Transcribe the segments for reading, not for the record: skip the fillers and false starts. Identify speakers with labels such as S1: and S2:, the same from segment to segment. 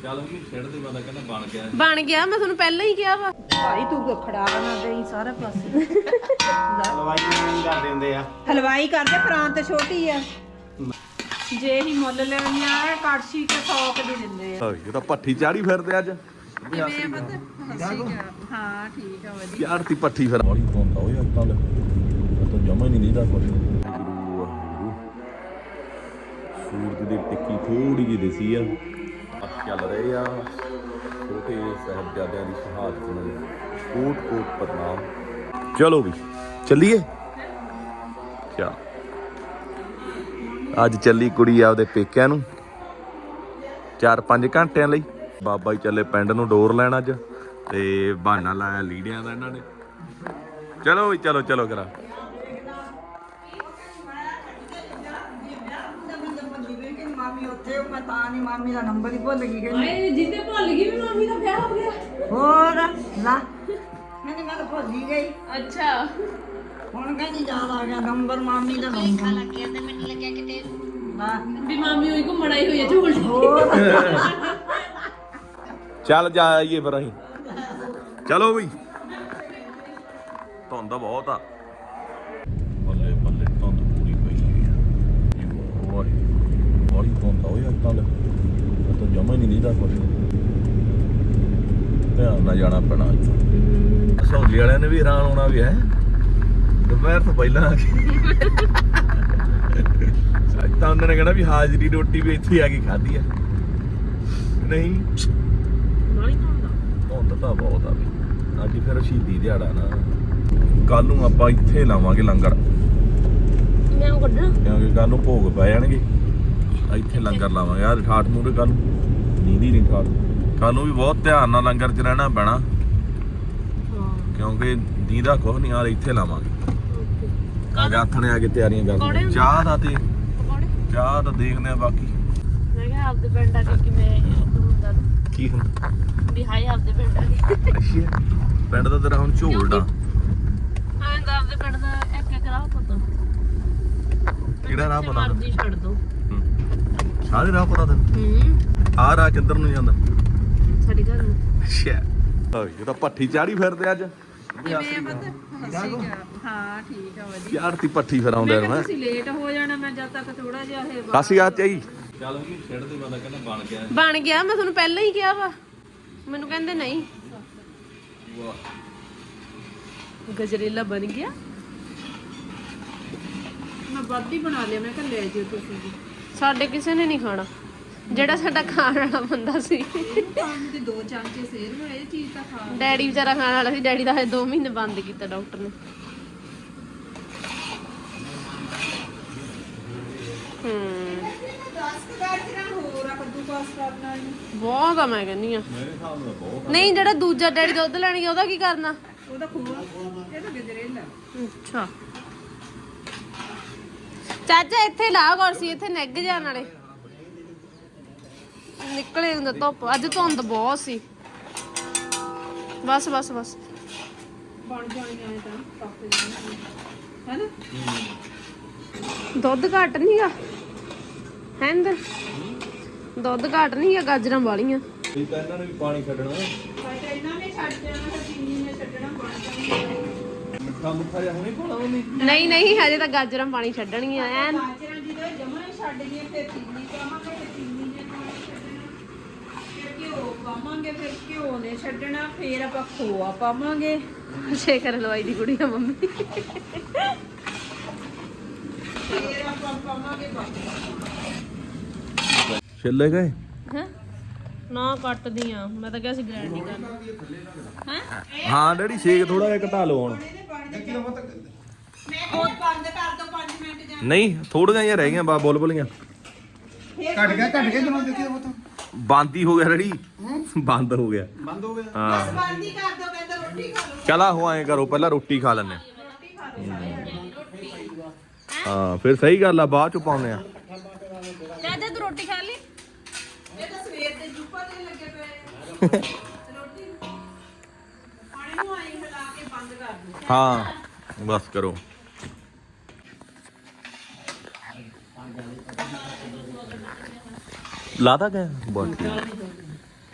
S1: ਚੱਲ ਵੀ ਛੱਡ ਦੇ ਬੰਦਾ ਕਹਿੰਦਾ
S2: ਬਣ ਗਿਆ ਮੈਂ ਤੁਹਾਨੂੰ ਪਹਿਲਾਂ ਹੀ ਕਿਹਾ ਵਾ
S3: ਭਾਈ ਤੂੰ ਤਾਂ ਖੜਾ ਬਣਾ ਦੇਈ ਸਾਰੇ ਪਾਸੇ
S4: ਹਲਵਾਈ ਨਹੀਂ ਕਰਦੇ ਹੁੰਦੇ ਆ
S3: ਹਲਵਾਈ ਕਰਦੇ ਪ੍ਰਾਂਤ ਤੇ ਛੋਟੀ ਆ ਜੇ ਹੀ ਮੁੱਲ ਲੈਣੀ ਆ ਕੜਛੀ ਤੇ 100 ਦੇ ਦਿੰਦੇ ਆ
S1: ਇਹ ਤਾਂ ਭੱਠੀ ਚਾੜੀ ਫਿਰਦੇ ਅੱਜ
S3: ਕਿਵੇਂ ਪਤਾ ਹਾਂ ਠੀਕ ਆ ਵਧੀਆ
S1: ਯਾਰ ਤੀ ਭੱਠੀ ਫਿਰ ਬੜੀ ਤੋਂਦਾ ਓਏ ਆਪਾਂ ਤਾਂ ਜਮਾ ਹੀ ਨਹੀਂ ਨੀਦਾ ਕੁਝ ਸੂਰਜ ਦੀ ਟਿੱਕੀ ਥੋੜੀ ਜਿਹੀ ਦਿਸੀ ਆ ਚੱਲ ਰਹੇ ਆ ਛੋਟੇ ਸਾਹਿਬਜ਼ਾਦਿਆਂ ਦੀ ਸ਼ਹਾਦਤ ਨੂੰ ਕੋਟ ਕੋਟ ਪ੍ਰਣਾਮ ਚਲੋ ਵੀ ਚੱਲੀਏ ਚਾ ਅੱਜ ਚੱਲੀ ਕੁੜੀ ਆਪਦੇ ਪੇਕਿਆਂ ਨੂੰ 4-5 ਘੰਟਿਆਂ ਲਈ ਬਾਬਾ ਜੀ ਚੱਲੇ ਪਿੰਡ ਨੂੰ ਡੋਰ ਲੈਣ ਅੱਜ ਤੇ ਬਹਾਨਾ ਲਾਇਆ ਲੀੜਿਆਂ ਦਾ ਇਹਨਾਂ ਨੇ ਚਲੋ ਵੀ ਚਲੋ ਚਲੋ ਕਰਾ
S3: ਮਾਮੀ ਉੱਥੇ ਮੈਂ ਤਾਂ ਨਹੀਂ ਮਾਮੀ ਦਾ ਨੰਬਰ ਹੀ ਭੁੱਲ ਗਈ ਕਹਿੰਦੀ
S2: ਏ ਜਿੱਦੇ ਭੁੱਲ ਗਈ ਵੀ ਮਾਮੀ ਦਾ ਵਿਆਹ ਹੋ ਗਿਆ
S3: ਹੋਰ ਲਾ ਮੈਂ ਤਾਂ ਭੁੱਲ ਹੀ ਗਈ
S2: ਅੱਛਾ
S3: ਹੁਣ ਕਹਿੰਦੀ ਯਾਦ ਆ ਗਿਆ ਨੰਬਰ ਮਾਮੀ ਦਾ ਨੰਬਰ ਲੱਗ ਗਿਆ ਤੇ ਮੈਨੂੰ ਲੱਗਿਆ ਕਿਤੇ ਨਾ
S2: ਵੀ ਮਾਮੀ ਹੋਈ ਘੁੰਮਣ ਆਈ ਹੋਈ ਹੈ ਝੋਲ
S3: ਹੋਰ
S1: ਚੱਲ ਜਾਈਏ ਫਿਰ ਅਸੀਂ ਚਲੋ ਵੀ ਧੁੰਦ ਬਹੁਤ ਆ ਬੱਲੇ ਬੱਲੇ ਧੁੰਦ ਪੂਰੀ ਪਈ ਹੋਈ ਆ ਓਏ ਬੜੀ ਧੁੰਦ ਆ ਓਏ ਆਪਾਂ ਤਾਂ ਜਮਾ ਹੀ ਨਹੀਂ ਨੀਦਾ ਕੁਝ ਧਿਆਨ ਨਾਲ ਜਾਣਾ ਪੈਣਾ ਸੌਲੀ ਵਾਲਿਆਂ ਨੇ ਵੀ ਹੈਰਾਨ ਹੋਣਾ ਵੀ ਹੈ ਦੁਪਹਿਰ ਤੋਂ ਪਹਿਲਾਂ ਆ ਕੇ ਅੱਜ ਤਾਂ ਉਹਨਾਂ ਨੇ ਕਹਿਣਾ ਵੀ ਹਾਜ਼ਰੀ ਰੋਟੀ ਵੀ ਇੱਥੇ ਆ ਕੇ ਖਾਧੀ ਆ ਨਹੀਂ ਧੁੰਦ ਤਾਂ ਬਹੁਤ ਆ ਵੀ ਅੱਜ ਫਿਰ ਸ਼ਹੀਦੀ ਦਿਹਾੜਾ ਨਾ ਕੱਲ ਨੂੰ ਆਪਾਂ ਇੱਥੇ ਲਾਵਾਂਗੇ ਲੰਗਰ
S2: ਮੈਂ ਉਹ ਕੱਢਣਾ
S1: ਕਿਉਂਕਿ ਕੱਲ ਨੂੰ ਭੋਗ ਪੈ ਜਾਣਗੇ ਇੱਥੇ ਲੰਗਰ ਲਾਵਾਂਗੇ ਯਾਰ ਠਾਠ ਮੂਰੇ ਕੱਲ ਨੀਂਦੀ ਨਹੀਂ ਠਾਠ ਕੱਲ ਨੂੰ ਵੀ ਬਹੁਤ ਧਿਆਨ ਨਾਲ ਲੰਗਰ 'ਚ ਰਹਿਣਾ ਪੈਣਾ ਕਿਉਂਕਿ ਨੀਂਦਾ ਕੁਛ ਨਹੀਂ ਯਾਰ ਇੱਥੇ ਲਾਵਾਂਗੇ ਅੱਗੇ ਆਥਣੇ ਆ ਕੇ ਤਿਆਰੀਆਂ ਕਰਦੇ ਚਾਹ ਦਾ ਤੇ ਚਾਹ ਤਾਂ ਦੇਖਦੇ ਆ ਬਾਕੀ
S2: ਮੈਂ ਕਿਹਾ ਆਪਦੇ ਪਿੰਡ ਆ ਕੇ ਕਿਵੇਂ ਹੁੰਦਾ
S1: ਕੀ ਹੁੰਦਾ
S2: ਵੀ ਹਾਏ ਆਪਦੇ ਪਿੰਡ ਆ ਕੇ
S1: ਅੱਛਾ ਪਿੰਡ ਦਾ ਤੇਰਾ ਹੁਣ ਝੋਲਦਾ
S2: ਆਂ ਦਾ ਆਪਦੇ ਪਿੰਡ ਦਾ ਇੱਕ ਰਾਹ ਪਤਾ
S1: ਕਿਹੜਾ ਰਾਹ ਪਤਾ
S2: ਮਰਜ਼ੀ ਛੱਡ ਦੋ
S1: ਸਾਰੇ ਰਾਹ ਪਤਾ ਤੈਨੂੰ ਆਹ ਰਾਹ ਕਿੱਧਰ ਨੂੰ ਜਾਂਦਾ
S2: ਸਾਡੇ ਘਰ ਨੂੰ
S1: ਅੱਛਾ ਇਹ ਤਾਂ ਭੱਠੀ ਚਾੜੀ ਫਿਰਦੇ ਅੱਜ
S3: ਕਿਵੇਂ ਪਤਾ ਹਾਂ ਠੀਕ ਆ ਵਧੀਆ
S1: ਯਾਰ ਤੀ ਭੱਠੀ ਫਿਰ ਆਉਂਦੇ ਨੇ
S3: ਤੁਸੀਂ ਲੇਟ ਹੋ ਜਾਣਾ ਮੈਂ ਜਦ ਤੱਕ ਥੋੜਾ ਜਿਹਾ ਇਹ
S1: ਕਾਸੀ ਆ ਚਾਹੀ ਚੱਲ ਵੀ ਛੱਡ ਦੇ ਬੰਦਾ ਕਹਿੰਦਾ
S2: ਬਣ ਗਿਆ ਮੈਂ ਤੁਹਾਨੂੰ ਪਹਿਲਾਂ ਹੀ ਕਿਹਾ ਵਾ ਮੈਨੂੰ ਕਹਿੰਦੇ ਨਹੀਂ ਗਜਰੇਲਾ ਬਣ ਗਿਆ
S3: ਮੈਂ ਵੱਧ ਹੀ ਬਣਾ ਲਿਆ ਮੈਂ ਕਿਹਾ ਲੈ ਜਿਓ ਤੁਸੀਂ ਵੀ
S2: ਸਾਡੇ ਕਿਸੇ ਨੇ ਨਹੀਂ ਖਾਣਾ ਜਿਹੜਾ ਸਾਡਾ ਖਾਣ ਵਾਲਾ ਬੰਦਾ ਸੀ
S3: ਪਾਣੀ ਦੇ 2 ਚਮਚੇ ਸੇਰ ਨੂੰ ਇਹ ਚੀਜ਼ ਤਾਂ ਖਾ
S2: ਡੈਡੀ ਵਿਚਾਰਾ ਖਾਣ ਵਾਲਾ ਸੀ ਡੈਡੀ ਦਾ ਹਜੇ 2 ਮਹੀਨੇ ਬੰਦ ਕੀਤਾ ਡਾਕਟਰ ਨੇ ਬਹੁਤ ਆ ਮੈਂ ਕਹਿੰਦੀ ਆ ਨਹੀਂ ਜਿਹੜਾ ਦੂਜਾ ਡੈਡੀ ਦੁੱਧ ਲੈਣ ਗਿਆ ਉਹਦਾ ਕੀ ਕਰਨਾ
S3: ਉਹਦਾ ਖੂਆ ਇਹ ਤਾਂ ਗਜਰੇਲਾ
S2: ਅੱਛਾ ਚਾਚਾ ਇੱਥੇ ਲਾ ਕੁਰਸੀ ਇੱਥੇ ਨਿੱਘ ਜਾਣ ਵਾਲੇ ਨਿਕਲੇ ਹੁੰਦਾ ਧੁੱਪ ਅੱਜ ਧੁੰਦ ਬਹੁਤ ਸੀ ਬਸ ਬਸ ਬਸ
S3: ਬਣ ਜਾਣੀ ਆਏ ਤਾਂ ਪੱਕ ਜਾਣੀ ਹੈਨਾ
S2: ਦੁੱਧ ਘੱਟ ਨਹੀਂਗਾ ਹੈਂਦ ਦੁੱਧ ਘੱਟ ਨਹੀਂ ਆ ਗਾਜਰਾਂ ਵਾਲੀਆਂ
S1: ਇਹ ਤਾਂ ਇਹਨਾਂ ਨੇ ਵੀ ਪਾਣੀ ਛੱਡਣਾ
S3: ਬਟ ਇਹਨਾਂ ਨੇ ਛੱਡ ਦੇਣਾ ਤਾਂ ਚੀਨੀ ਨੇ ਛੱਡਣਾ ਬਣ ਜਾਣੀ
S1: ਮਿੱਠਾ ਮੁੱਠਾ ਜਿਹਾ ਹੁਣੇ ਪਾਉਣਾ ਉਹਨੇ
S2: ਨਹੀਂ ਨਹੀਂ ਹਜੇ ਤਾਂ ਗਾਜਰਾਂ ਪਾਣੀ ਛੱਡਣਗੀਆਂ ਐਨ
S3: ਗਾਜਰਾਂ ਜਦੋਂ ਜਮਾਂ ਹੀ ਛੱਡ ਗਈਆਂ ਫਿਰ ਚੀਨੀ ਪਾਵਾਂਗੇ ਤੇ ਚੀਨੀ ਨੇ ਪਾਣੀ ਛੱਡਣਾ ਫਿਰ ਘਿਓ ਪਾਵਾਂਗੇ ਫਿਰ ਘਿਓ ਨੇ ਛੱਡਣਾ ਫਿਰ ਆਪਾਂ ਖੋਆ ਪਾਵਾਂਗੇ
S2: ਸ਼ੇਖਰ ਹਲਵਾਈ ਦੀ ਕੁੜੀ ਆ ਮੰਮੀ
S3: ਫਿਰ ਆਪਾਂ ਪਾਵਾਂਗੇ ਬਾਕੀ
S1: ਛਿੱਲੇ ਗਏ
S2: ਹੈ ਨਾ ਕੱਟਦੀ ਆ ਮੈਂ ਤਾਂ ਕਿਹਾ ਸੀ ਗ੍ਰੈਂਡ ਹੀ ਕਰਨਾ ਹੈ
S1: ਹਾਂ ਡੈਡੀ ਛੇਕ ਥੋੜਾ ਜਿਹਾ ਘਟਾ ਲਓ ਹੁਣ
S3: ਮੈਂ ਉਹ ਬੰਦ ਕਰ ਦੋ 5 ਮਿੰਟ ਜਾਂ
S1: ਨਹੀਂ ਥੋੜੀਆਂ ਜਿਹੀਆਂ ਰਹਿ ਗਈਆਂ ਬੁਲਬੁਲੀਆਂ
S4: ਘਟ ਗਿਆ ਜਦੋਂ ਦੇਖੀ ਉਹ ਤਾਂ
S1: ਬੰਦ ਹੀ ਹੋ ਗਿਆ ਡੈਡੀ ਬੰਦ ਹੋ ਗਿਆ
S4: ਬੰਦ ਹੋ ਗਿਆ
S1: ਹਾਂ
S3: ਬੰਦ ਹੀ ਕਰ ਦੋ ਕਹਿੰਦਾ ਰੋਟੀ ਖਾ ਲਓ
S1: ਚਲਾ ਹੋ ਐਂ ਕਰੋ ਪਹਿਲਾਂ ਰੋਟੀ ਖਾ ਲੈਣੇ ਹਾਂ ਫਿਰ ਸਹੀ ਗੱਲ ਆ ਬਾਅਦ ਚ ਪਾਉਨੇ ਆ
S2: ਚਾਚਾ ਤੂੰ ਰੋਟੀ ਖਾ ਲਈ
S3: ਇਹ ਤਾਂ ਸਵੇਰ ਦੇ ਜੁੱਪਾ ਦੇ ਲੱਗੇ ਪਏ ਰੋਟੀ ਪਾਣੀ ਨੂੰ ਆਈ ਹਿਲਾ ਕੇ ਬੰਦ ਕਰ ਦੋ
S1: ਹਾਂ ਬਸ ਕਰੋ ਲਾਦਾ ਗਿਆ ਬਹੁਤ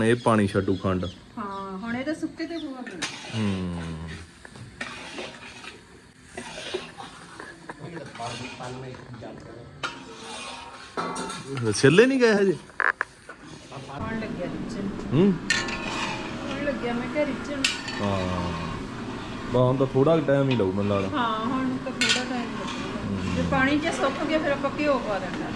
S1: ਇਹ ਪਾਣੀ ਛੱਡੂ ਖੰਡ।
S3: ਹਾਂ ਹੁਣ ਇਹਦਾ ਸੁੱਕੇ ਤੇ ਖੋਆ ਪੈਣਾ।
S1: ਛਿੱਲੇ ਨਹੀਂ ਗਏ ਹਜੇ।
S3: ਹੁਣ ਲੱਗਿਆ ਰਿਚਨ।
S1: ਹੁਣ
S3: ਲੱਗਿਆ ਮੈਂ ਕਿਹਾ ਰਿਚਨ।
S1: ਹਾਂ ਬਾ ਹੁਣ ਤਾਂ ਥੋੜਾ ਟਾਈਮ ਹੀ ਲਾਉ ਮੈਨੂੰ ਲੱਗਦਾ।
S3: ਹਾਂ ਹੁਣ ਤਾਂ ਥੋੜਾ ਟਾਈਮ ਲੱਗੂਗਾ। ਜੇ ਪਾਣੀ 'ਚ ਸੁੱਕ ਗਿਆ ਫਿਰ ਆਪਾਂ ਘਿਓ ਪਾ ਦੇਣਾ।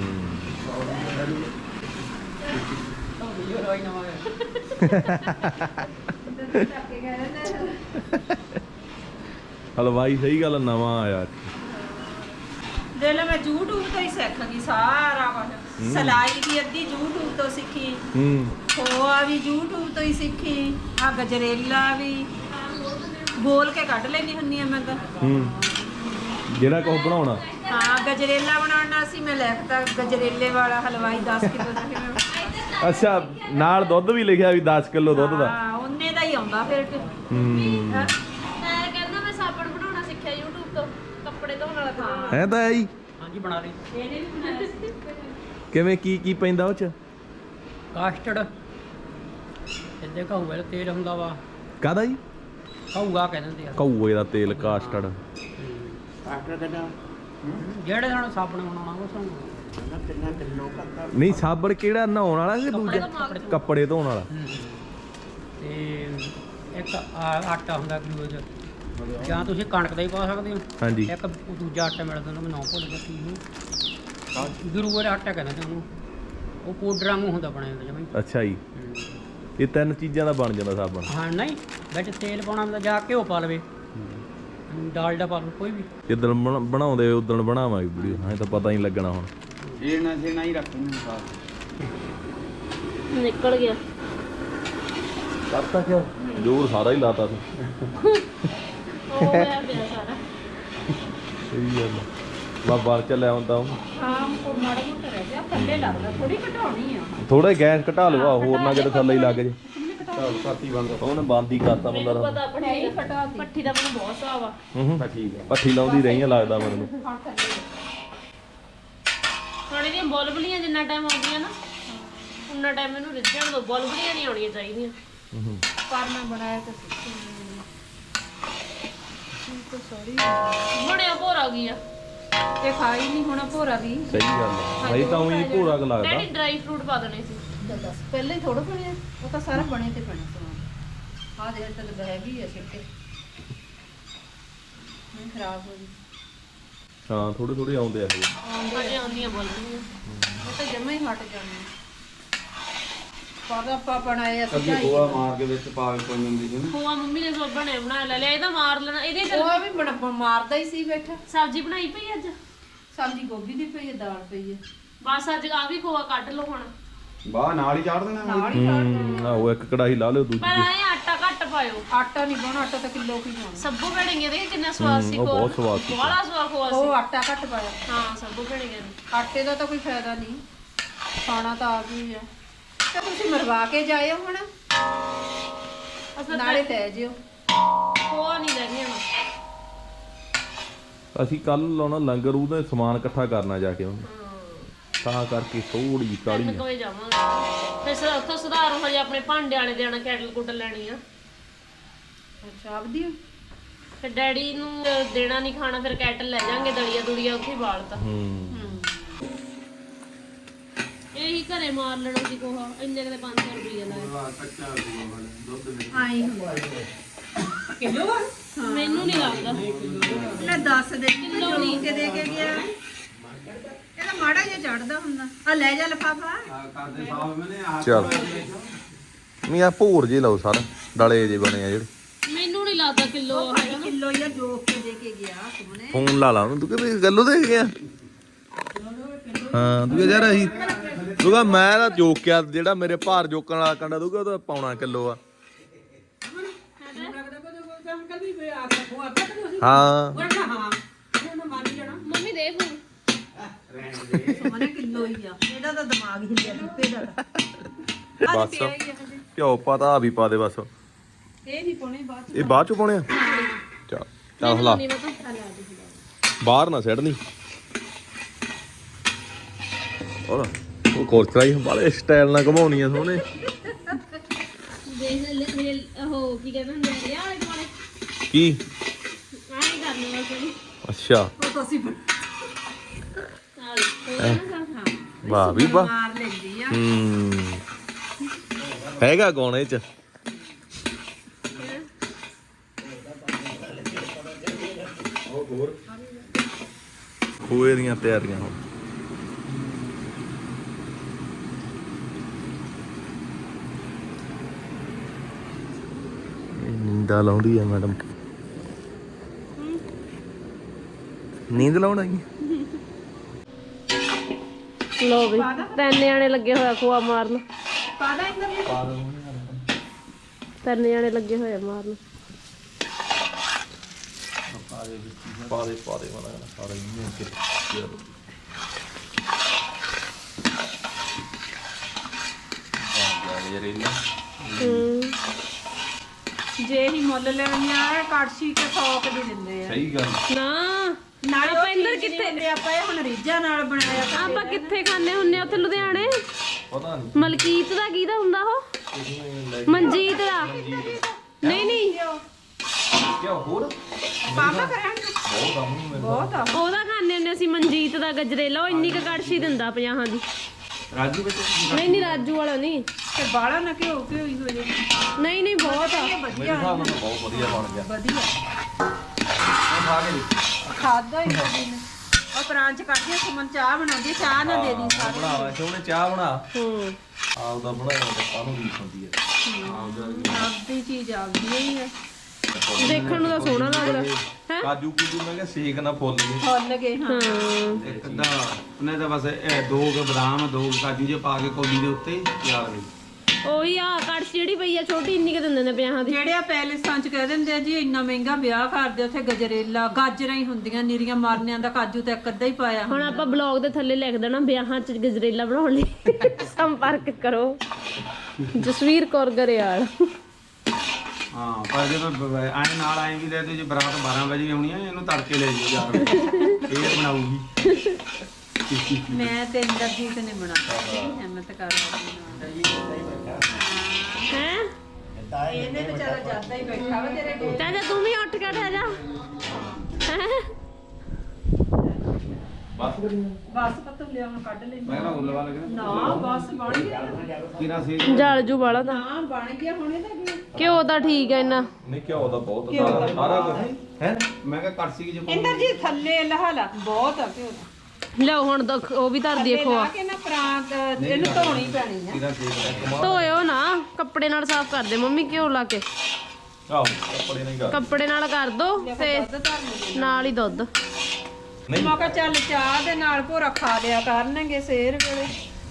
S1: ਹਲਵਾਈ ਸਹੀ ਗੱਲ ਨਵਾਂ ਆਇਆ।
S3: ਦੇ ਲੈ ਮੈਂ YouTube ਤੋਂ ਹੀ ਸਿੱਖ ਗਈ ਸਾਰਾ ਕੁਝ। ਸਲਾਈ ਵੀ ਅੱਧੀ YouTube ਤੋਂ ਸਿੱਖੀ। ਖੋਆ ਵੀ YouTube ਤੋਂ ਹੀ ਸਿੱਖੀ। ਆ ਗਜਰੇਲਾ ਵੀ ਬੋਲ ਕੇ ਕੱਢ ਲੈਣੀ ਹੁੰਨੀ ਆ ਮੈਂ ਤਾਂ।
S1: ਜਿਹੜਾ ਕੁਝ ਬਣਾਉਣਾ।
S3: ਹਾਂ ਗਜਰੇਲਾ ਬਣਾਉਣਾ ਸੀ ਮੈਂ ਲਿਖਤਾ ਗਜਰੇਲੇ ਵਾਲਾ ਹਲਵਾਈ 10 ਕਿਲੋ ਦਾ ਕਿਵੇਂ।
S1: ਅੱਛਾ ਨਾਲ ਦੁੱਧ ਵੀ ਲਿਖਿਆ ਵੀ 10 ਕਿਲੋ ਦੁੱਧ ਦਾ।
S3: ਹਾਂ ਉਹਨੇ ਦਾ ਹੀ ਆਉਂਦਾ ਫਿਰ।
S2: ਮੈਂ ਕਹਿੰਦਾ ਮੈਂ ਸਾਬਣ ਬਣਾਉਣਾ ਸਿੱਖਿਆ YouTube ਤੋਂ, ਕੱਪੜੇ ਧੋਣ ਵਾਲਾ ਬਣਾਉਣਾ।
S1: ਹੈ ਤਾਂ ਆਈ
S4: ਹਾਂਜੀ ਬਣਾ ਲਈ।
S3: ਇਹਨੇ ਵੀ ਬਣਾਇਆ ਸੀ।
S1: ਕਿਵੇਂ ਕੀ ਪੈਂਦਾ ਉਹ ਚ?
S5: ਕਾਸਟਰਡ ਇੱਦੇ ਕਹੂਏ ਦਾ ਤੇਲ ਹੁੰਦਾ ਵਾ।
S1: ਕਾਹਦਾ ਜੀ?
S5: ਕਹੂਗਾ ਕਹਿ ਦਿੰਦੇ ਆ।
S1: ਕਊਏ ਦਾ ਤੇਲ ਕਾਸਟਰਡ।
S4: ਕਾਸਟਰ ਕਿੰਨਾ?
S5: ਜਿਹੜੇ ਸਾਨੂੰ ਸਾਬਣ ਬਣਾਉਣਾ ਉਹ ਸਾਨੂੰ
S4: ਕਿੰਨਾ ਕਿਲੋ ਕੱਟਾ?
S1: ਨਹੀਂ ਸਾਬਣ ਕਿਹੜਾ ਨਹਾਉਣ ਵਾਲਾ ਕਿ ਦੂਜਾ? ਕੱਪੜੇ ਧੋਣ ਵਾਲਾ।
S5: ਤੇ ਇੱਕ ਆਟਾ ਹੁੰਦਾ ਗਲੂਕੋਜ਼, ਜਾਂ ਤੁਸੀਂ ਕਣਕ ਦਾ ਹੀ ਪਾ ਸਕਦੇ ਹੋ।
S1: ਹਾਂਜੀ
S5: ਇੱਕ ਦੂਜਾ ਆਟਾ ਮਿਲਦਾ ਉਹਨੂੰ ਮੈਂ ਨਾਂ ਭੁੱਲ ਗਿਆ ਕੀ ਨੂੰ। ਗਲੂਕੋਜ਼ ਆਟਾ ਕਹਿੰਦੇ ਨੇ ਉਹਨੂੰ। ਉਹ ਪਾਊਡਰ ਵਾਂਗੂ ਹੁੰਦਾ ਬਣਿਆ ਹੁੰਦਾ ਜਮਾਂ ਹੀ।
S1: ਅੱਛਾ ਜੀ ਇਹ ਤਿੰਨ ਚੀਜ਼ਾਂ ਦਾ ਬਣ ਜਾਂਦਾ ਸਾਬਣ।
S5: ਹਾਂ ਨਹੀਂ ਵਿੱਚ ਤੇਲ ਪਾਉਣਾ ਹੁੰਦਾ, ਜਾਂ ਘਿਓ ਪਾ ਲਵੇ, ਡਾਲਡਾ ਪਾ ਲਵੇ, ਕੋਈ ਵੀ।
S1: ਜਿੱਦਣ ਬਣਾਉਂਦੇ ਉਦੋਂ ਬਣਾਵਾਂਗੇ ਵੀਡੀਓ। ਹਾਂ ਤਾਂ ਪਤਾ ਹੀ ਨਹੀਂ ਲੱਗਣਾ ਹੁਣ।
S4: ਜੀਣਾ ਹੀ ਰੱਖਣੀ ਸਾਥ।
S2: ਨਿਕਲ ਗਿਆ।
S1: ਕਰਤਾ ਕਿਉਂ? ਜ਼ੋਰ ਸਾਰਾ ਹੀ ਲਾਤਾ ਤੂੰ।
S2: ਉਹ ਹੋਇਆ ਪਿਆ ਸਾਰਾ।
S1: ਸਹੀ ਗੱਲ ਬਾ ਬਾਹਰ ਚੱਲਿਆ ਹੁੰਦਾ ਉਹ।
S3: ਹਾਂ ਉਹ ਮਾੜਾ ਮੋਟਾ ਰਹਿ ਗਿਆ ਥੱਲੇ ਲੱਗਦਾ। ਥੋੜੀ ਘਟਾਉਣੀ ਆ।
S1: ਥੋੜਾ ਗੈਸ ਘਟਾ ਲਵਾ ਹੋਰ ਨਾ ਕਿਤੇ ਥੱਲੇ ਹੀ ਲੱਗ ਜੇ।
S4: ਚੱਲ ਸਾਥੀ ਬੰਦ
S1: ਉਹਨੇ ਬੰਦ ਹੀ ਕਰਤਾ ਬੰਦਾ।
S2: ਮੈਨੂੰ ਪਤਾ ਪੱਠੀ ਦਾ ਮੈਨੂੰ ਬਹੁਤ ਹਿਸਾਬ ਆ।
S4: ਠੀਕ ਹੈ।
S1: ਪੱਠੀ ਲਾਉਂਦੀ ਰਹੀ ਆ ਲੱਗਦਾ ਮੈਨੂੰ।
S2: ਹੁਣ ਇਹਦੀਆਂ ਬੁਲਬੁਲੀਆਂ ਜਿੰਨਾ ਟਾਈਮ ਆਉਂਦੀਆਂ ਨਾ ਉਨਾ ਟਾਈਮ ਇਹਨੂੰ ਰਿੱਝਣ ਦੋ। ਬੁਲਬੁਲੀਆਂ ਨਹੀਂ ਆਉਣੀਆਂ ਚਾਹੀਦੀਆਂ।
S3: ਪਰ ਮੈਂ ਬਣਾਇਆ ਤਾਂ
S2: ਬਣਿਆ ਭੋਰਾ ਗਈ ਆ।
S3: ਇਹ ਖਾਈ ਨਹੀਂ ਹੋਣਾ ਭੋਰਾ ਵੀ।
S1: ਸਹੀ ਗੱਲ ਹੈ ਭਾਈ ਤਾਂ ਉਹੀ ਭੋਰਾ ਕ ਲੱਗਦਾ।
S2: ਡੈਡੀ ਡਰਾਈ ਫਰੂਟ ਪਾ ਦੇਣੇ ਸੀ।
S3: ਦੱਸ ਪਹਿਲਾਂ ਹੀ ਥੋੜਾ ਬਣਿਆ। ਉਹ ਤਾਂ ਸਾਰਾ ਬਣੇ ਤੇ ਬਣੇ ਸਮਾਨ। ਆਹ ਦੇਖ ਤਾਂ ਹੈਗੀ ਆ ਛਿੱਟੇ। ਨਹੀਂ ਖਰਾਬ ਹੋ ਗਈ।
S1: ਹਾਂ ਥੋੜੇ ਥੋੜੇ ਆਉਂਦੇ ਆ ਇਹ।
S2: ਅਜੇ ਆਉਂਦੀਆਂ ਬੁਲਬੁਲੀਆਂ।
S3: ਇਹ ਤਾਂ ਜਮਾ ਹੀ ਹਟ ਜਾਣੀ। ਪਰ ਆਪਾਂ ਬਣਾਏ ਅਸੀਂ
S4: ਅੱਗੇ ਗੋਆ ਮਾਰ ਕੇ ਵਿੱਚ ਪਾ ਕੇ ਪਈ ਹੁੰਦੀ ਸੀ ਨਾ।
S2: ਖੋਆ ਮੰਮੀ ਨੇ ਸੋ ਬਣੇ ਬਣਾ ਲਿਆ ਇਹਦਾ ਮਾਰ ਲੈਣਾ। ਇਹਦੇ ਚ
S3: ਉਹ ਵੀ ਮਾਰਦਾ ਹੀ ਸੀ ਬੈਠਾ।
S2: ਸਬਜ਼ੀ ਬਣਾਈ ਪਈ ਅੱਜ।
S3: ਸਬਜ਼ੀ ਗੋਭੀ ਦੀ ਪਈ ਹੈ, ਦਾਲ ਪਈ ਹੈ।
S2: ਬਸ ਅੱਜ ਆ ਵੀ ਖੋਆ ਕੱਢ ਲਓ ਹੁਣ।
S4: ਬਾਹ ਨਾਲ ਹੀ ਚਾੜ ਦੇਣਾ।
S3: ਨਾਲ ਹੀ ਕੱਢ ਦੇਣਾ।
S1: ਆਹੋ ਇੱਕ ਕੜਾਹੀ ਲਾ ਲਿਓ ਦੂਜੀ
S2: ਪਰ ਆਏ ਆਟਾ ਘੱਟ ਪਾਇਓ।
S3: ਆਟਾ ਨਹੀਂ ਪਾਉਣਾ। ਆਟਾ ਤਾਂ ਕਿਲੋ ਕੀ ਪਾਉਣਾ।
S2: ਸੱਬੂ ਭੇੜੀਆਂ ਦੇ ਕਿੰਨਾ ਸਵਾਦ ਸੀ
S1: ਉਹ
S2: ਖੋਆ।
S1: ਬਹੁਤ ਸਵਾਦ ਸੀ।
S2: ਬੜਾ ਸਵਾਦ ਖੋਆ
S3: ਉਹ
S2: ਸੀ।
S3: ਆਟਾ ਘੱਟ ਪਾਇਆ।
S2: ਹਾਂ ਸੱਬੂ ਭੇੜੀਆਂ ਨੇ।
S3: ਆਟੇ ਦਾ ਤਾਂ ਕੋਈ ਫਾਇਦਾ ਨਹੀਂ। ਖਾਣਾ ਤਾਂ ਆਪ ਹੀ ਆ। ਤੇ ਤੁਸੀਂ ਮਰਵਾ ਕੇ ਜਾਇਓ ਹੁਣ।
S2: ਅਸਲ
S3: ਨਾਲੇ ਲੈ ਜਿਓ।
S2: ਖੋਆ ਨਹੀਂ ਲੈ ਗਿਆ।
S1: ਅਸੀਂ ਕੱਲ ਲਾਉਣਾ ਲੰਗਰ ਉਹਦਾ ਸਮਾਨ ਇਕੱਠਾ ਕਰਨਾ ਜਾ ਕੇ ਉਹਨੂੰ। ਤਾਂ ਕਰਕੇ ਥੋੜੀ ਜਿਹੀ ਕਾਲੀ
S2: ਤਿੰਨ ਕੁ ਵਜੇ ਜਾਵਾਂਗੇ। ਫਿਰ ਉੱਥੋਂ ਸੁਧਾਰ ਹੋ ਜਾ ਆਪਣੇ ਭਾਂਡੇ ਵਾਲੇ ਦੇਣਾ ਕੈਟਲ ਕੁੱਟ ਲੈਣੀ ਆ।
S3: ਅੱਛਾ ਆਪਦੀ
S2: ਫਿਰ ਡੈਡੀ ਨੂੰ ਦੇਣਾ ਨਹੀਂ ਖਾਣਾ। ਫਿਰ ਕੈਟਲ ਲੈ ਜਾਾਂਗੇ ਦਲੀਆ ਦੁਲੀਆ ਉੱਥੇ ਹੀ ਬਾਲਤਾ। ਇਹੀ ਘਰੇ ਮਾਰ ਲੈਣਾ ਸੀ ਕੋਹਾ। ਇੰਨੇ ਕਿਤੇ 500 ਰੁਪਏ ਲਾਇਆ।
S3: ਆਈ ਹੁੰਦਾ ਕਿਲੋ
S2: ਮੈਨੂੰ ਨਹੀਂ ਲੱਗਦਾ।
S3: ਲੈ ਦੱਸ ਦੇ ਕਿਲੋ ਨਹੀਂ ਕੇ ਦੇ ਕੇ ਗਿਆ। ਇਹਦਾ ਮਾੜਾ ਜਿਹਾ ਚੜਦਾ ਹੁੰਦਾ। ਆ ਲੈ ਜਾ ਲਫਾਫਾ।
S4: ਕਰਦੇ ਸਾਹਿਬ ਮੈਨੇ ਆ
S1: ਚੱਲ ਨਹੀਂ ਆ ਭੋਰ ਜੇ ਲਾਓ ਸਾਰਾ ਡਲੇ ਜੇ ਬਣੇ ਆ ਜਿਹੜੇ।
S2: ਮੈਨੂੰ ਨਹੀਂ ਲੱਗਦਾ ਕਿਲੋ ਆ।
S3: ਕਿਲੋ ਜਾਂ ਜੋਕ ਕੇ ਦੇ ਕੇ ਗਿਆ ਸੁਮਨੇ।
S1: ਫੋਨ ਲਾ ਲਾ ਉਹਨੂੰ। ਤੂੰ ਕਿਤੇ ਗੱਲੋਂ ਦੇ ਗਿਆ? ਹਾਂ ਤੂੰ ਯਾਰ ਅਸੀਂ ਤੂੰ ਕਹ ਮੈਂ ਤਾਂ ਜੋਕਿਆ ਜਿਹੜਾ ਮੇਰੇ ਭਾਰ ਜੋਕਣ ਵਾਲਾ ਕੰਡਾ ਤੂੰ ਉਹਦਾ ਪੌਣਾ ਕਿਲੋ ਆ। ਹਾਂ
S2: ਮੰਮੀ ਦੇ ਫੋਨ।
S3: ਸੁਮਨੇ ਕਿਲੋ ਹੀ ਆ। ਇਹਦਾ ਤਾਂ ਦਿਮਾਗ ਹਿੱਲਿਆ ਲੁੱਪੇ ਦਾ।
S1: ਬਸ ਘਿਓ ਪਤਾ ਵੀ ਪਾ ਦੇ ਬਸ।
S3: ਇਹ ਨਹੀਂ ਪਾਉਣੇ ਬਾਅਦ
S1: ਇਹ ਬਾਅਦ ਚ ਪਾਉਣੇ ਆ। ਚੱਲ ਚੱਲ ਹਲਾ
S2: ਨਹੀਂ ਪਤਾ।
S1: ਬਾਹਰ ਨਾ ਸਿੱਟਣੀ। ਉਹ ਕੋਰਚਰਾਈ ਬਾਲੇ ਸਟਾਈਲ ਨਾਲ ਘਮਾਉਣੀ ਆ ਸੋਹਣੇ।
S2: ਉਹ ਕੀ ਕਹਿੰਦੇ ਹੁੰਦੇ ਆ ਲਿਆ ਵਾਲੇ ਦੁਆਲੇ
S1: ਕੀ
S2: ਆਏ ਕਰਨਾ ਬਸ
S1: ਅੱਛਾ
S3: ਉਹ ਤਾਂ ਅਸੀਂ
S1: ਵਾਹ ਵੀ ਵਾਹ
S3: ਮਾਰ ਲੈਂਦੀ ਆ
S1: ਹੈਗਾ ਕੌਣ ਇਹ ਚ ਖੋਏ ਦੀਆਂ ਤਿਆਰੀਆਂ ਹੁਣ ਨੀਂਦਾ ਲਾਉਂਦੀ ਆ ਮੈਡਮ ਨੀਂਦ ਲਾਉਣ ਆਈ
S2: ਲੋ ਵੀ ਤਿੰਨ ਜਾਣੇ ਲੱਗੇ ਹੋਇਆ ਖੋਆ ਮਾਰਨ
S3: ਪਾਦਾ ਇੰਦਰ
S2: ਤਿੰਨ ਜਾਣੇ ਲੱਗੇ ਹੋਏ ਆ ਮਾਰਨ
S1: ਪਾ ਦੇ ਮਾਨਾ ਸਾਰਾ ਹੀ ਕਿ
S3: ਜੇ ਹੀ ਮੁੱਲ ਲੈਣੀ ਆ ਕੜਛੀ ਤੇ ਥੋਕ ਦੀ ਦਿੰਦੇ ਆ
S1: ਸਹੀ ਗੱਲ
S2: ਨਾ
S3: ਨਾਲੇ
S2: ਆਪਾਂ ਇੰਦਰ ਕਿੱਥੇ
S3: ਦਿੰਦੇ ਆਪਾਂ ਇਹ ਹੁਣ ਰੀਝਾਂ ਨਾਲ ਬਣਾਇਆ
S2: ਆਪਾਂ ਕਿੱਥੇ ਖਾਣੇ ਹੁੰਨੇ ਆ ਉੱਥੇ ਲੁਧਿਆਣੇ
S1: ਪਤਾ ਨਹੀਂ
S2: ਮਲਕੀਤ ਦਾ ਕਿਹਦਾ ਹੁੰਦਾ ਉਹ ਮਨਜੀਤ ਦਾ ਨਹੀਂ ਨਹੀਂ
S1: ਕਿਆ ਹੋਰ
S3: ਪਾਪਾ ਕਰਾਂਗੇ
S1: ਬਹੁਤ ਆਮੂ
S3: ਬਹੁਤ ਆ
S2: ਉਹਦਾ ਖਾਣੇ ਹੁੰਨੇ ਅਸੀਂ ਮਨਜੀਤ ਦਾ ਗਜਰੇਲਾ ਉਹ ਇੰਨੀ ਕ ਕੜਛੀ ਦਿੰਦਾ 50 ਦੀ
S4: ਰਾਜੂ ਵਿੱਚ
S2: ਨਹੀਂ ਰਾਜੂ ਵਾਲਾ ਨਹੀਂ
S3: ਤੇ ਬਾਲਾ ਨਾ ਘਿਓ ਹੀ ਹੋ ਜੇ
S2: ਨਹੀਂ ਬਹੁਤ ਆ
S3: ਇਹ
S1: ਮੇਰੇ
S3: ਵਧੀਆ
S1: ਹਿਸਾਬ ਨਾਲ ਤਾਂ ਬਹੁਤ ਵਧੀਆ ਬਣ ਗਿਆ
S3: ਵਧੀਆ
S4: ਖਾ ਕੇ ਦੇਖ।
S3: ਖਾਦਾ ਹੀ ਕਦੀ ਨੇ ਉਹ ਪ੍ਰਾਂਚ ਕੱਢਦੇ ਸੁਮਨ ਚਾਹ ਬਣਾਉਂਦੀ ਚਾਹ ਨਾ ਦੇ ਦੀ ਸਾਰੇ
S1: ਬਣਾ ਸੋਹਣੇ ਚਾਹ ਬਣਾ
S2: ਹੂੰ
S1: ਆਪਦਾ ਬਣਾਇਆ ਤਾਂ ਕਾਹਨੂੰ ਰੀਸ ਹੁੰਦੀ ਹੈ
S3: ਆਪਦੀ ਚੀਜ਼ ਆਪਦੀ ਹੀ ਹੈ
S2: ਦੇਖਣ ਨੂੰ ਤਾਂ ਸੋਹਣਾ ਲੱਗਦਾ ਹੈ
S1: ਕਾਜੂ ਕੂਜੂ ਮੈਂ ਕਿਹਾ ਸੇਕ ਨਾ ਫੁੱਲ ਗਏ
S3: ਫੁੱਲ ਗਏ ਹਾਂ
S2: ਹਾਂ
S4: ਇੱਕ ਅੱਧਾ ਉਹਨੇ ਤਾਂ ਬਸ ਇਹ ਦੋ ਕੁ ਬਦਾਮ ਦੋ ਕੁ ਕਾਜੂ ਜੇ ਪਾ ਕੇ ਕੌਲੀ ਦੇ ਉੱਤੇ ਤਿਆਰ ਹੋਈ
S2: ਉਹੀ ਆ ਕੜਛੀ ਜਿਹੜੀ ਪਈ ਆ ਛੋਟੀ ਇੰਨੀ ਕ ਦਿੰਦੇ ਨੇ 50 ਦੀ
S3: ਜਿਹੜੇ ਆ ਪੈਲਸਾਂ ਚ ਕਹਿ ਦਿੰਦੇ ਆ ਜੀ ਇੰਨਾ ਮਹਿੰਗਾ ਵਿਆਹ ਕਰਦੇ ਉੱਥੇ ਗਜਰੇਲਾ ਗਾਜਰਾਂ ਹੀ ਹੁੰਦੀਆਂ ਨੀਰੀਆਂ ਮਾਰਨਿਆਂ ਦਾ ਕਾਜੂ ਤਾਂ ਇੱਕ ਅੱਧਾ ਹੀ ਪਾਇਆ
S2: ਹੁਣ ਆਪਾਂ ਬਲੌਗ ਦੇ ਥੱਲੇ ਲਿਖ ਦੇਣਾ ਵਿਆਹਾਂ 'ਚ ਗਜਰੇਲਾ ਬਣਾਉਣ ਲਈ ਸੰਪਰਕ ਕਰੋ ਜਸਵੀਰ ਕੌਰ ਗਰੇਵਾਲ
S4: ਹਾਂ ਪਰ ਜਦੋਂ ਆਏ ਨਾਲ ਆਏ ਵੀ ਲੈ ਤੇ ਜੇ ਬਰਾਤ 12 ਵਜੇ ਆਉਣੀ ਆ ਇਹਨੂੰ ਤੜਕੇ ਲੈ ਜਿਓ ਯਾਰ ਇਹ ਬਣਾਉਗੀ
S3: ਮੈਂ ਤੇ ਇੰਦਰਜੀਤ ਨੇ ਬਣਾਇਆ ਹਿੰਮਤ ਕਰ
S2: ਹੈ
S3: ਇਹਨੇ ਵਿਚਾਰਾ ਜਾਂਦਾ ਹੀ ਬੈਠਾ ਵਾ ਤੇਰੇ ਕੋਲ
S2: ਚਾਚਾ ਤੂੰ ਵੀ ਉੱਠ ਕੇ ਠਹਿ ਜਾ ਹੈਂ?
S3: ਬਸ ਪਤੂ ਲਿਆ ਹੁਣ ਕੱਢ ਲੈ
S4: ਮੈਂ ਨਾ ਉੱਲਵਾ ਲੱਗਣਾ
S3: ਨਾ ਬਸ ਬਣ ਗਿਆ
S4: ਕਿਰਾ ਸੀ
S2: ਜਲ ਜੂ ਵਾਲਾ ਤਾਂ
S3: ਹਾਂ ਬਣ ਗਿਆ ਹੁਣ ਇਹਦਾ ਕੀ
S2: ਘਿਓ ਤਾਂ ਠੀਕ ਹੈ ਇੰਨਾ
S1: ਨਹੀਂ ਘਿਓ ਦਾ ਬਹੁਤ ਸਾਰਾ ਕੁਝ ਹੈ
S4: ਮੈਂ ਕਿਹਾ ਕੜਛੀ ਜੇ
S3: ਇੰਦਰਜੀਤ ਥੱਲੇ ਲਹਾਲਾ ਬਹੁਤ ਆ ਘਿਓ ਦਾ
S2: ਲਿਆਓ ਹੁਣ ਤਾਂ ਉਹ ਵੀ ਧਰ ਦਈਏ ਖੋਆ
S3: ਲਾ ਕੇ ਨਾ ਪ੍ਰਾਂਤ ਇਹਨੂੰ ਧੋਣੀ ਪੈਣੀ ਆ
S4: ਕਿਰਾ ਸੀ
S2: ਧੋਇਓ ਨਾ ਕੱਪੜੇ ਨਾਲ ਸਾਫ਼ ਕਰ ਦੇ ਮੰਮੀ ਘਿਓ ਲਾ ਕੇ
S1: ਆਹੋ ਕੱਪੜੇ ਨਹੀਂ ਕਰ
S2: ਕੱਪੜੇ ਨਾਲ ਕਰ ਦੋ ਤੇ
S3: ਦੁੱਧ ਧਰਨੀ
S2: ਨਾਲ ਹੀ ਦੁੱਧ
S1: ਨਹੀਂ
S3: ਮੈਂ ਕਿਹਾ ਚੱਲ ਚਾਹ ਦੇ ਨਾਲ ਭੋਰਾ ਖਾ ਲਿਆ ਕਰਨਗੇ ਸੇਰ ਵੇਲੇ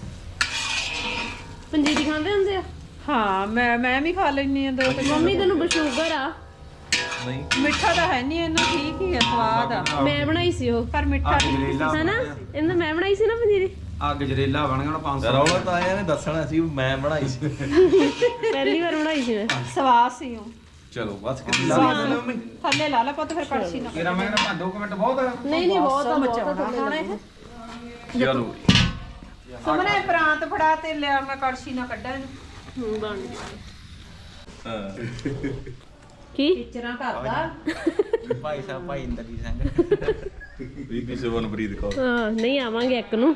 S2: ਪੰਜੀਰੀ ਖਾਂਦੇ ਹੁੰਦੇ ਆ
S3: ਹਾਂ ਮੈਂ ਵੀ ਖਾ ਲੈਣੀ ਆ ਦੋ ਤੇ
S2: ਮੰਮੀ ਤੈਨੂੰ ਸ਼ੂਗਰ ਆ
S1: ਨਹੀਂ
S3: ਮਿੱਠਾ ਤਾਂ ਹੈ ਨਹੀਂ ਇਹਨਾਂ ਠੀਕ ਹੀ ਆ ਸਵਾਦ ਆ
S2: ਮੈਂ ਬਣਾਈ ਸੀ ਉਹ
S3: ਪਰ ਮਿੱਠਾ ਨਹੀਂ
S4: ਗਜਰੇਲਾ
S2: ਹੈਨਾ ਇਹਨਾਂ ਮੈਂ ਬਣਾਈ ਸੀ ਨਾ ਪੰਜੀਰੀ
S4: ਆ ਗਜਰੇਲਾ ਬਣ ਗਿਆ 500
S1: ਰੌਲਾ ਤਾਂ ਆਇਆ ਨੇ ਦੱਸਣਾ ਸੀ ਵੀ ਮੈਂ ਬਣਾਈ ਸੀ
S2: ਪਹਿਲੀ ਵਾਰ ਬਣਾਈ ਸੀ ਮੈਂ
S3: ਸਵਾਦ ਸੀ ਉਹ
S1: ਚਲੋ ਬਸ ਕਿੱਥੇ ਲਾ ਮੰਮੀ
S3: ਥੱਲੇ ਲਾ ਲਾ ਪੁੱਤ ਫਿਰ ਕੜਛੀ ਨਾ
S4: ਕਿਰਾ ਮੈਂ ਕਿਹਾ 2 ਮਿੰਟ ਬਹੁਤ ਆ
S2: ਨਹੀਂ ਨਹੀਂ ਬਹੁਤ ਆ
S3: ਮਚਾਉਣਾ ਹੁਣ ਇਹ
S1: ਚਲੋ
S3: ਸੁਮਨੇ ਪ੍ਰਾਂਤ ਫੜਾ ਤੇ ਲਿਆ ਮੈਂ ਕੜਛੀ ਨਾ ਕੱਢਾਂ ਇਹਨੂੰ
S2: ਬਣ ਗਿਆ
S1: ਹਾਂ
S2: ਕੀ
S3: ਟੀਚਰਾਂ ਕਰਦਾ
S4: ਭਾਈ ਸਾਹਿਬ ਭਾਈ ਇੰਦਰਜੀਤ ਸਿੰਘ
S1: ਬੀਬੀ ਸਵਨਪ੍ਰੀਤ ਕੌਰ
S2: ਹਾਂ ਨਹੀਂ ਆਵਾਂਗੇ ਇੱਕ ਨੂੰ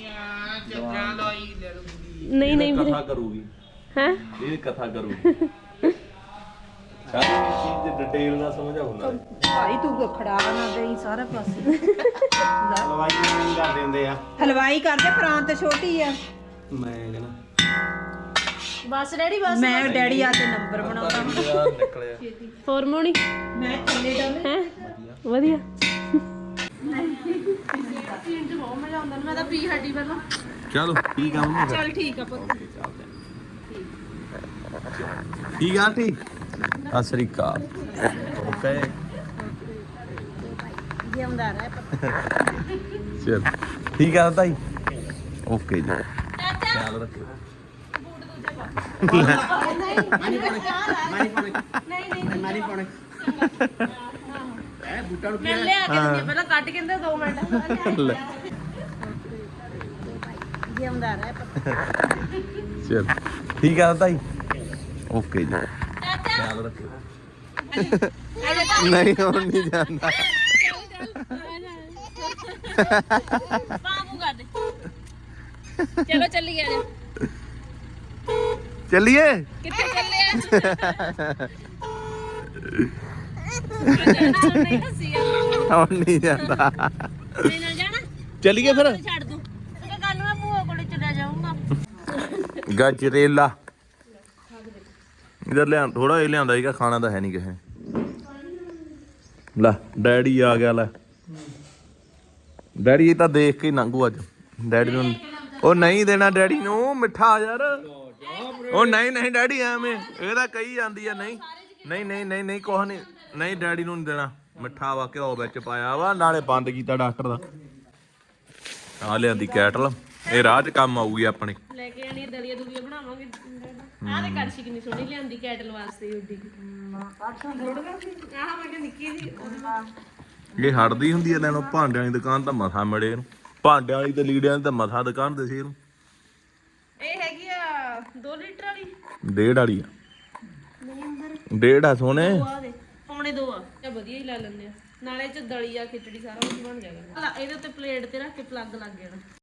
S2: ਨਹੀਂ ਨਹੀਂ ਵੀਰੇ
S1: ਕਥਾ ਕਰੂਗੀ
S2: ਹੈ
S1: ਇਹ ਕਥਾ ਕਰੂਗੀ ਸਾਰੀ ਚੀਜ਼ ਦੀ ਡਿਟੇਲ ਨਾਲ ਸਮਝਾਉ ਨਾਲੇ
S3: ਭਾਈ ਤੂੰ ਖੜਾ ਨਾ ਦੇਈ ਸਾਰੇ ਪਾਸੇ
S4: ਹਲਵਾਈ ਨਹੀਂ ਕਰਦੇ ਹੁੰਦੇ ਆ
S3: ਹਲਵਾਈ ਕਰਦੇ ਪ੍ਰਾਂਤ ਛੋਟੀ ਆ
S4: ਮੈਂ ਕਹਿੰਦਾ
S2: ਬਸ ਰੈਡੀ ਬਸ
S3: ਮੈਂ ਡੈਡੀ ਆ ਤੇ ਨੰਬਰ ਬਣਾਉਂਦਾ
S1: ਯਾਰ ਨਿਕਲਿਆ
S2: ਹਾਰਮੋਨੀ
S3: ਮੈਂ ਥੱਲੇ ਡਾਲੇ
S2: ਹੈ ਵਧੀਆ
S3: ਮੈਂ ਤਾਂ ਪੀ ਹੱਡੀ ਪਹਿਲਾਂ
S1: ਚਲੋ ਠੀਕ ਆ ਮੰਮੀ
S3: ਚੱਲ ਠੀਕ ਆ ਪੁੱਤ
S1: ਠੀਕ ਆ ਆਂਟੀ ਸਤਿ ਸ੍ਰੀ ਅਕਾਲ ਓਕੇ
S3: ਜਿਉਂਦਾ ਰਹਿ
S1: ਚਲ ਠੀਕ ਆ ਤਾਈ ਓਕੇ ਜੀ ਖਿਆਲ ਰੱਖਿਓ
S2: ਮੈਂ ਲਿਆ ਕੇ ਦਿੰਦੀ ਪਹਿਲਾਂ ਕੱਟ ਕੇ ਦਿੰਦੇ 2 ਮਿੰਟ
S1: ਲੈ
S3: ਜਿਉਂਦਾ ਰਹਿ
S1: ਚਲ ਠੀਕ ਆ ਤਾਈ ਓਕੇ ਜੀ ਖਿਆਲ ਰੱਖਿਓ ਨਹੀਂ ਹੁਣ ਨਹੀਂ ਜਾਂਦਾ
S2: ਬਾਬੂ ਕਰ ਦੇ ਚਲੋ ਚੱਲੀਏ ਆ
S1: ਚੱਲੀਏ
S2: ਕਿੱਥੇ ਚੱਲੇ ਆ ਨਹੀਂ ਹੱਸੀ
S1: ਹੁਣ ਨਹੀਂ ਜਾਂਦਾ
S2: ਮੇਰੇ ਨਾਲ ਜਾਣਾ
S1: ਚੱਲੀਏ ਫਿਰ
S2: ਛੱਡ ਦੂੰ ਕਿ ਕੱਲ ਨੂੰ ਮੈਂ ਭੂਆ ਕੋਲੇ ਚਲਾ ਜਾਊਂਗਾ
S1: ਗਜਰੇਲਾ ਇਧਰ ਲਿਆ ਥੋੜਾ ਇਹ ਲਿਆਂਦਾ ਸੀਗਾ ਖਾਣਾ ਤਾਂ ਹੈ ਨਹੀਂ ਕਿਸੇ ਲੈ ਡੈਡੀ ਆ ਗਿਆ ਲੈ ਡੈਡੀ ਇਹ ਤਾਂ ਦੇਖ ਕੇ ਹੀ ਲੰਘੂ ਅੱਜ ਡੈਡੀ ਨੂੰ ਉਹ ਨਹੀਂ ਦੇਣਾ ਡੈਡੀ ਨੂੰ ਮਿੱਠਾ ਯਾਰ ਉਹ ਨਹੀਂ ਨਹੀਂ ਡੈਡੀ ਐਵੇਂ ਇਹ ਤਾਂ ਕਹੀ ਜਾਂਦੀ ਆ ਨਹੀਂ ਨਹੀਂ ਨਹੀਂ ਨਹੀਂ ਨਹੀਂ ਕੁਛ ਨਹੀਂ ਨਹੀਂ ਡੈਡੀ ਨੂੰ ਨਹੀਂ ਦੇਣਾ ਮਿੱਠਾ ਵਾ ਘਿਓ ਵਿੱਚ ਪਾਇਆ ਵਾ ਨਾਲੇ ਬੰਦ ਕੀਤਾ ਡਾਕਟਰ ਦਾ ਆ ਲਿਆਂਦੀ ਕੈਟਲ ਇਹ ਰਾਹ 'ਚ ਕੰਮ ਆਊਗੀ ਆਪਣੇ
S2: ਲੈ ਕੇ ਆਣੀ ਦਲੀਆ ਦੁਲੀਆ ਬਣਾਵਾਂਗੇ ਆਹ ਤੇ ਕੜਛੀ ਕਿੰਨੀ ਸੋਹਣੀ ਲਿਆਂਦੀ ਕੈਟਲ ਵਾਸਤੇ ਉੱਡੀ ਆਹ ਮੈਂ ਕਿ ਨਿੱਕੀ ਜੀ
S1: ਇਹ ਹਟਦੀ ਹੁੰਦੀ ਐ ਲੈਣੋਂ ਭਾਂਡਿਆਂ ਦੀ ਦੁਕਾਨ ਤਾਂ ਮਸਾ ਮੜੇ ਇਹਨੂੰ ਭਾਂਡਿਆਂ ਵਾਲੀ ਤੇ ਲੀੜਿਆਂ ਦੀ ਤਾਂ ਮਸਾ ਦੁਕਾਨ ਦੇ ਸੀ ਇਹਨੂੰ
S2: ਇਹ ਹੈਗੀ ਆ 2 ਲੀਟਰ ਵਾਲੀ
S1: ਡੇਢ ਵਾਲੀ ਆ ਡੇਢ ਆ ਸੋਹਣੇ
S2: ਆ ਦੇ ਪੌਣੇ 2 ਆ ਇਹ ਵਧੀਆ ਹੀ ਲਾ ਲੈਂਦੇ ਆ ਨਾਲੇ ਚ ਦਲੀਆ ਖਿਚੜੀ ਸਾਰਾ ਕੁਝ ਬਣ ਜਾਏਗਾ ਇਹਦੇ ਉੱਤੇ ਪਲੇਟ ਤੇ ਰੱਖ ਕੇ ਪਲੱਗ ਲੱਗ ਜਾਣਾ